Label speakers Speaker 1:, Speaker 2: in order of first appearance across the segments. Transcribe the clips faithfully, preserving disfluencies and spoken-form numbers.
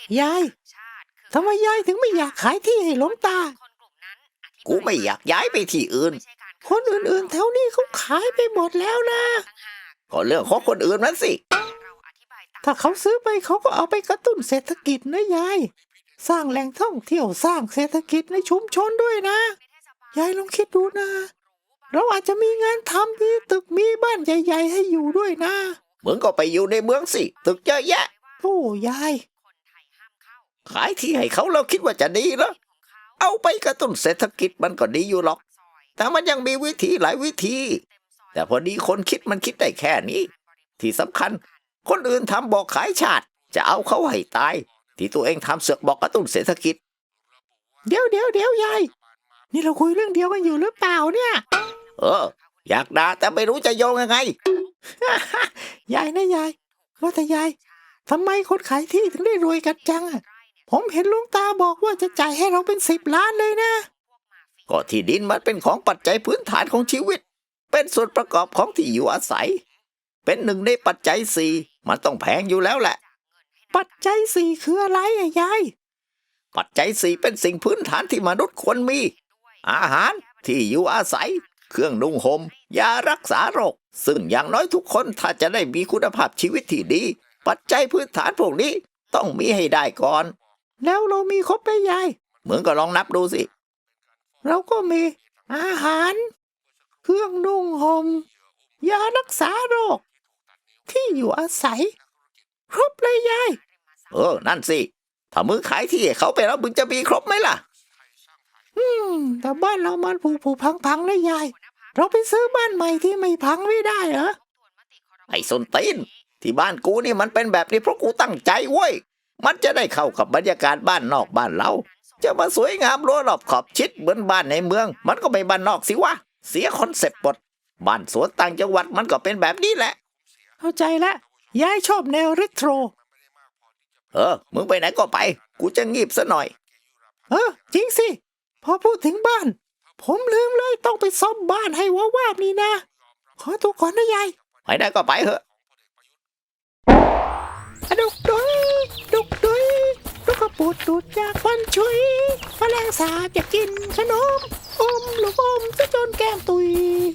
Speaker 1: ยายทำไมยายถึงไม่อยากขายที่ให้หลวงตา
Speaker 2: กูไม่อยากย้ายไปที่อื่น
Speaker 1: คนอื่นๆแถวนี้เขาขายไปหมดแล้วนะ
Speaker 2: ก็เรื่องของคนอื่นนั้นสิ
Speaker 1: ถ้าเขาซื้อไปเขาก็เอาไปกระตุ้นเศรษฐกิจนะยายสร้างแหล่งท่องเที่ยวสร้างเศรษฐกิจในชุมชนด้วยนะยายลองคิดดูนะเราอาจจะมีงานทำมีตึกมีบ้านใหญ่ๆให้อยู่ด้วยนะ
Speaker 2: มึงก็ไปอยู่ในเมืองสิตึกเยอะแยะ
Speaker 1: โอ้ยาย
Speaker 2: ขายที่ให้เขาเราคิดว่าจะดีเหรอเอาไปกระตุ้นเศรษฐกิจมันก็ดีอยู่หรอกแต่มันยังมีวิธีหลายวิธีแต่พอดีคนคิดมันคิดได้แค่นี้ที่สำคัญคนอื่นทำบอกขายชาติจะเอาเขาให้ตายที่ตัวเองทำเสือกบอกกระตุ้นเศรษฐกิจ
Speaker 1: เดี๋ยวเดี๋ยวเดี๋ยวยายนี่เราคุยเรื่องเดียวกันอยู่หรือเปล่าเนี่ย
Speaker 2: เอออยากด่าแต่ไม่รู้จะโยงยังไง
Speaker 1: ยายนะยายว่าแต่ยายทำไมคนขายที่ถึงได้รวยกันจังอะผมเห็นหลวงตาบอกว่าจะจ่ายให้เราเป็นสิบล้านเลยนะ
Speaker 2: ก็ที่ดินมันเป็นของปัจจัยพื้นฐานของชีวิตเป็นส่วนประกอบของที่อยู่อาศัยเป็นหนึ่งในปัจจัยสี่มันต้องแพงอยู่แล้วแหละ
Speaker 1: ปัจจัยสี่คืออะไรอะยาย
Speaker 2: ปัจจัยสี่เป็นสิ่งพื้นฐานที่มนุษย์ควรมีอาหารที่อยู่อาศัยเครื่องนุ่งห่มยารักษาโรคซึ่งอย่างน้อยทุกคนถ้าจะได้มีคุณภาพชีวิตที่ดีปัจจัยพื้นฐานพวกนี้ต้องมีให้ได้ก่อน
Speaker 1: แล้วเรามีครบไหมยาย
Speaker 2: มึงก็ลองนับดูสิ
Speaker 1: เราก็มีอาหารเครื่องนุ่งห่มยารักษาโรคที่อยู่อาศัยครบเลยยาย
Speaker 2: เออนั่นสิถ้ามึงขายที่ให้เขาไปแล้วมึงจะมีครบไหมล่ะ
Speaker 1: อืมแต่บ้านเรามันผุผุพังพังเลยยายเราไปซื้อบ้านใหม่ที่ไม่พังไม่ได้เหรอ
Speaker 2: ไอ้ส้นตีนที่บ้านกูนี่มันเป็นแบบนี้เพราะกูตั้งใจเว้ยมันจะได้เข้ากับบรรยากาศบ้านนอกบ้านเราจะมาสวยงามรั้วรอบขอบชิดเหมือนบ้านในเมืองมันก็ไม่บ้านนอกสิวะเสียคอนเซ็ปต์หมดบ้านสวนต่างจังหวัดมันก็เป็นแบบนี้แหละ
Speaker 1: เข้าใจละยายชอบแนวเรโทร
Speaker 2: เออมึงไปไหนก็ไปกูจะงีบซะหน่อย
Speaker 1: เออจริงสิพอพูดถึงบ้านผมลืมเลยต้องไปซ่อมบ้านให้วาวาบนี่นะขอตัวก่อนนะยาย
Speaker 2: ไปได้ก็ไปเถอะ
Speaker 1: ดุกดุยดุกดุยลูกกระปุดดูดจากควันชุยแมลงสาบอยากกินขนมอมลูกอมจะจนแก้มตุย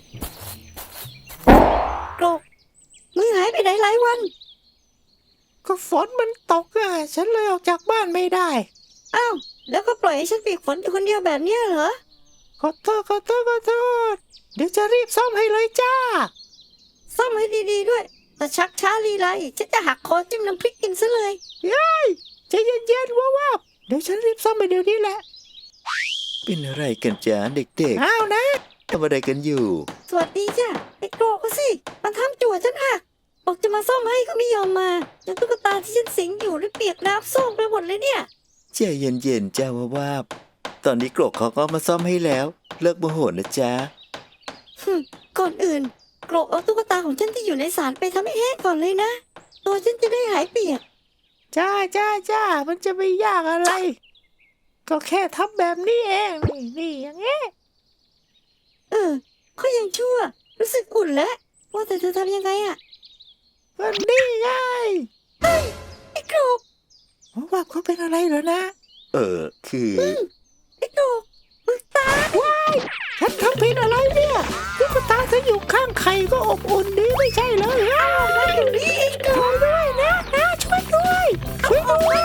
Speaker 3: โกรกมึงหายไปไหนหลายวัน
Speaker 1: ก็ฝนมันตกอ่ะฉันเลยออกจากบ้านไม่ได้
Speaker 3: อ้าวแล้วก็ปล่อยให้ฉันเปียกฝนอยู่คนเดียวแบบนี้เหรอ
Speaker 1: ขอโทษขอโทษขอโทษเดี๋ยวจะรีบซ่อมให้เลยจ้า
Speaker 3: ซ่อมให้ดีๆด้วยแต่ชักช้าลีไรฉันจะหักคอจิ้มน้ำพริกกินซะเลย
Speaker 1: ยัยใจเย็นๆว้าวๆเดี๋ยวฉันรีบซ่อมไปเดี๋ยวนี้แหละ
Speaker 2: เป็นอะไรกันจ๊ะเด็ก
Speaker 1: ๆอ้าวนะ
Speaker 2: ทำอะไรกันอยู่
Speaker 3: สวัสดีจ้ะไอ้โกรกก็สิมันทำจั่วฉันหักบอกจะมาซ่อมให้ก็ไม่ยอมมาจนตุ๊กตาที่ฉันสิงอยู่ได้เปียกน้ำโซกไปหมดเลยเนี่ย
Speaker 2: ใจเย็นๆจ้าว่าว่าตอนนี้โกรกเขาก็มาซ่อมให้แล้วเลิกโมโหนะจ๊ะ
Speaker 3: ก่อนอื่นโกรกเอาตุ๊กตาของฉันที่อยู่ในศาลไปทำให้แห้งก่อนเลยนะตัวฉันจะได้หายเปียก
Speaker 1: จ้าจ้าจ้ามันจะไม่ยากอะไรก็แค่ทำแบบนี้เองนี่นี่อย่างเงี้ย
Speaker 3: เออก็ยังชั่วรู้สึกอุ่นแล้วว่าแต่เธอทำยังไงอะ
Speaker 1: วันนี้ไง
Speaker 3: เฮ้ยไอ้โกรก
Speaker 1: ว่าเขาเป็นอะไรเหรอนะ
Speaker 2: เออคือ
Speaker 3: ไอ้โกรกมึงตาย
Speaker 1: ว้ายฉันทำผิดอะไรเนี่ยตุ๊กตาฉันอยู่ข้างใครก็อบอุ่นดีไม่ใช่เลยอ้าว
Speaker 3: มันอยู่นี่ไอ้โกรก
Speaker 1: ด้วยนะนะช่วยด้วยช่วยด้วย